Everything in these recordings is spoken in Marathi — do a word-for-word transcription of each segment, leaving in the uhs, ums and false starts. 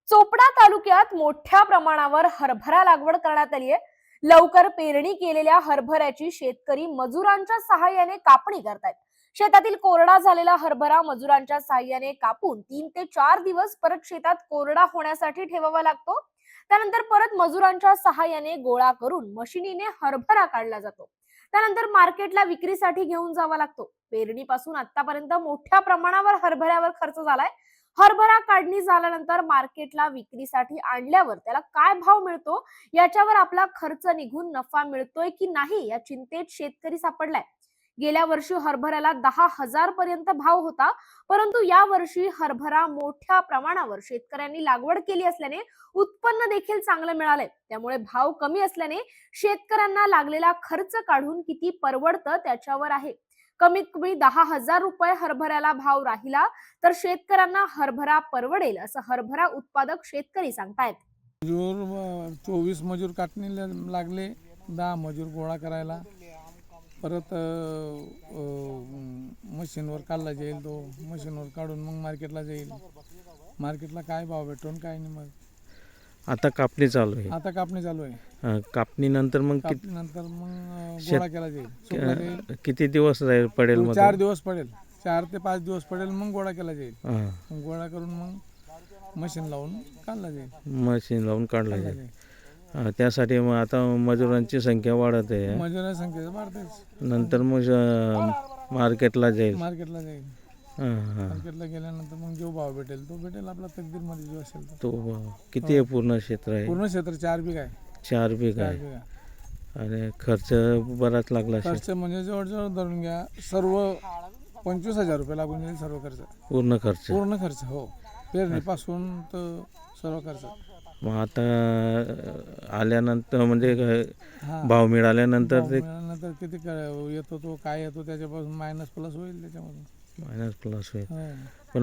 चोपडा तालुक्यात मोठ्या प्रमाणावर हरभरा लागवड करण्यात आली आहे. लवकर पेरणी केलेल्या हरभऱ्याची शेतकरी मजुरांच्या सहाय्याने कापणी करतायत. शेतातील कोरडा झालेला हरभरा मजुरांच्या सहाय्याने कापून तीन ते चार दिवस परत शेतात कोरडा होण्यासाठी ठेवावा लागतो. त्यानंतर परत मजुरांच्या सहाय्याने गोळा करून मशिनीने हरभरा काढला जातो. त्यानंतर मार्केटला विक्रीसाठी घेऊन जावा लागतो. पेरणीपासून आतापर्यंत मोठ्या प्रमाणावर हरभऱ्यावर खर्च झालाय. हरभरा काढणी झाल्यानंतर मार्केटला विक्रीसाठी आणल्यावर त्याला काय भाव मिळतो, याच्यावर आपला खर्च निघून नफा मिळतोय की नाही या चिंतेत शेतकरी सापडलाय. गेल्या वर्षी हरभऱ्याला दहा हजार पर्यंत भाव होता, परंतु या वर्षी हरभरा मोठ्या प्रमाणावर शेतकऱ्यांनी लागवड केली असल्याने उत्पन्न देखील चांगलं मिळालंय. त्यामुळे भाव कमी असल्याने शेतकऱ्यांना लागलेला खर्च काढून किती परवडतं त्याच्यावर आहे. कमीत कमी दहा हजार रुपये हरभऱ्याला भाव राहिला तर शेतकऱ्यांना हरभरा परवडेल, असं हरभरा उत्पादक शेतकरी सांगतायत. मजूर चोवीस मजूर काटणीला लागले, दहा मजूर गोळा करायला. परत मशीनवर काढला जाईल, तो मशीनवर काढून मग मार्केटला जाईल. मार्केटला काय भाव भेटून काय नाही. मग आता कापणी चालू आहे. आता कापणी चालू आहे. अं, कापणीनंतर मग किती कापणीनंतर मग शेत- गोळा केला जाईल, सुकला जाईल. किती दिवस राहील पडेल मग? चार दिवस पडेल, चार ते पाच दिवस पडेल, मग गोळा केला जाईल. हां, मग गोळा करून मग मशीन लावून काढला जाईल. मशीन लावून काढलं काढला जाईल. जाईल. अं, त्यासाठी मग आता मजुरांची संख्या वाढत आहे. मजुरा संख्या वाढतेच. नंतर मग अं, मार्केटला जाईल. मार्केटला जाईल. हां हां. मार्केटला गेल्यानंतर मग जो भाव भेटेल तो भेटेल, आपला तकदीरमध्ये जो असेल तो. तो अं, किती आहे पूर्ण क्षेत्र आहे? पूर्ण क्षेत्र चार बीघ आहे. चार बीघ चार आहे. बीघा आणि खर्च बराच लागला असेल. खर्च म्हणजे जवळजवळ धरून घ्या, सर्व पंचवीस हजार रुपये लागून जाईल सर्व खर्च. पूर्ण खर्च. पूर्ण खर्च हो, पेरणीपासून तर सर्व खर्च. मग आता आल्यानंतर म्हणजे हा, भाव मिळाल्यानंतर भाव ते मिळाल्यानंतर किती क- येतो तो काय येतो त्याच्यापासून मायनस प्लस होईल त्याच्यामधून. मायनस प्लस होईल. हो. पण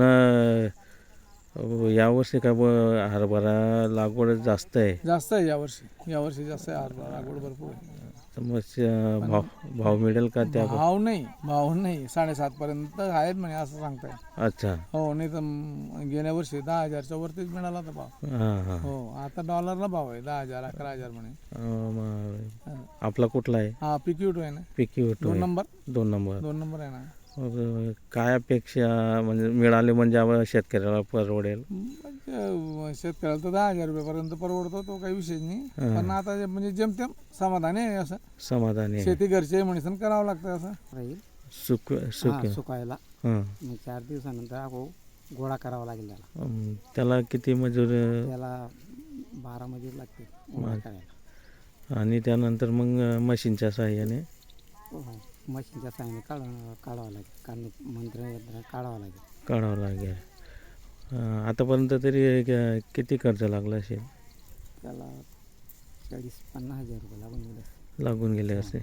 अं, यावर्षी काय ब- हरभरा लागवड जास्त आहे. जास्त आहे यावर्षी. यावर्षी जास्त आहे हरभरा लागवड, भरपूर आहे. तर मग अं, भाव भाव मिळेल का त्या? भाव नाही, भाव नाही, साडेसात पर्यंत आहेत म्हणे असं सांगताय. अच्छा. हो, नाही तर म- गेल्या वर्षी दहा हजारच्या वरतीच मिळाला होता भाव. हां हां. हो, आता डॉलरला भाव आहे दहा हजार अकरा हजार म्हणे. अं, मग हा. आपला कुठला आहे? हा, पिक्यूट आहे ना, पिकी होतो दोन नंबर. दोन नंबर. दोन नंबर आहे ना. मग अं, काय अपेक्षा म्हणजे मिळाले म्हणजे आम्हाला शेतकऱ्याला परवडेल? म्हणजे शेतकऱ्याला तर दहा हजार रुपयापर्यंत परवडतो, तो काही विषय नाही. हा. पण आता जे- म्हणजे जेमतेम समाधानी आहे असं. समाधानी आहे. शेती घरचे म्हणून करावं लागतं असं. राहील सुक सुक हा, सुकायला. हां. मग चार दिवसानंतर अगो गोळा करावा लागेल त्याला. अं, त्याला किती मजूर अं, त्याला बारा मजूर लागते गोळा मग. करायला. आणि त्यानंतर मग अं, मशीनच्या साहाय्याने हो, मशीनच्या साहाय्याने काढ काढावं लागेल. काढणे मंत्र यंत्र काढावं लागेल. काढावं लागेल. अं, आतापर्यंत तरी क- किती खर्च लागला असेल? त्याला चाळीस पन्नास हजार रुपये लागून गेले. लागून गेले असे.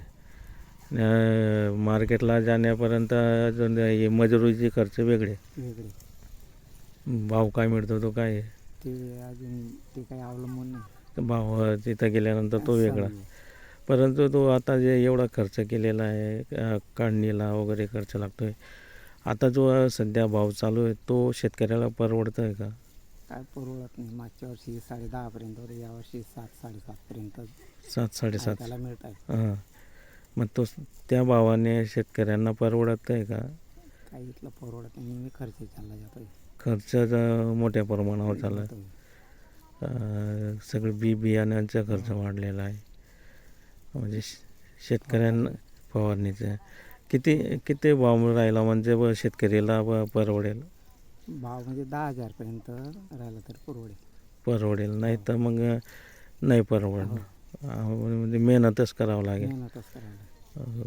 अं, मार्केटला जाण्यापर्यंत अजून हे मजुरीचे खर्च वेगळे. वेगळे भाव काय मिळतो तो काय आहे? ते अजून ते काही अवलंबून नाही. तर भाव तिथं गेल्यानंतर तो वेगळा. समजा. परंतु तो आता जे एवढा खर्च केलेला आहे, अं, काढणीला वगैरे खर्च लागतो आहे, आता जो सध्या भाव चालू आहे तो शेतकऱ्याला परवडतं आहे का? काय परवडत नाही. मागच्या वर्षी साडे दहापर्यंत होते, यावर्षी सात साडेसातपर्यंत सात साडेसात. त्याला मिळत आहे. हां. मग तो त्या भावाने शेतकऱ्यांना परवडत आहे का? काही इथलं परवडत नाही. नेहमी खर्च चालला जातोय. खर्च अं, मोठ्या प्रमाणावर चालला जातोय. आहे. सगळं बी बियाण्यांचा खर्च वाढलेला आहे. म्हणजे श- शेतकऱ्यांना फवारणीचं किती किती भाव राहिला म्हणजे ब शेतकऱ्याला ब- परवडेल? भाव म्हणजे दहा हजारपर्यंत राहिला तर परवडेल. परवडेल, नाही तर मग नाही परवडणार. अं, म्हणजे मेहनतच करावं लागेल. मेहनतच करायला. अं,